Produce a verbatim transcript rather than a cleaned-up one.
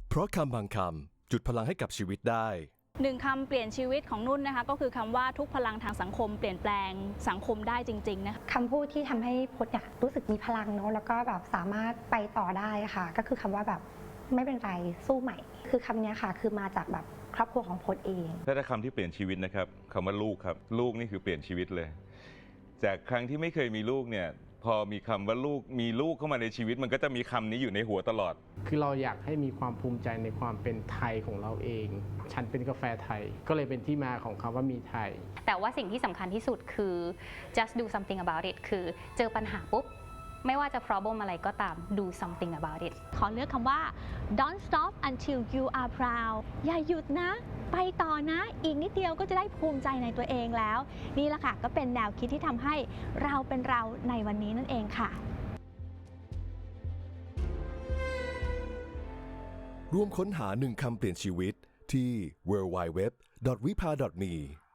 เพราะคำบางคำจุดพลังให้กับชีวิตได้หนึ่งคำเปลี่ยนชีวิตของนุ่นนะคะก็คือคำว่าทุกพลังทางสังคมเปลี่ยนแปลงสังคมได้จริงๆนะคะคำพูดที่ทำให้พจน์เนี่ยรู้สึกมีพลังเนาะแล้วก็แบบสามารถไปต่อได้ค่ะก็คือคำว่าแบบไม่เป็นไรสู้ใหม่คือคำนี้ค่ะคือมาจากแบบครอบครัวของพจน์เองและถ้าคำที่เปลี่ยนชีวิตนะครับคำว่าลูกครับลูกนี่คือเปลี่ยนชีวิตเลยจากครั้งที่ไม่เคยมีลูกเนี่ยพอมีคำว่าลูกมีลูกเข้ามาในชีวิตมันก็จะมีคำนี้อยู่ในหัวตลอดคือเราอยากให้มีความภูมิใจในความเป็นไทยของเราเองฉันเป็นกาแฟไทยก็เลยเป็นที่มาของคำว่ามีไทยแต่ว่าสิ่งที่สำคัญที่สุดคือ just do something about it คือเจอปัญหาปุ๊บไม่ว่าจะ problem อะไรก็ตาม do something about it ขอเลือกคำว่า don't stop until you are proud อย่าหยุดนะไปต่อนะอีกนิดเดียวก็จะได้ภูมิใจในตัวเองแล้วนี่แหละค่ะก็เป็นแนวคิดที่ทำให้เราเป็นเราในวันนี้นั่นเองค่ะร่วมค้นหาหนึ่งคำเปลี่ยนชีวิตที่ ดับเบิลยู ดับเบิลยู ดับเบิลยู ดอท วิภา ดอท มี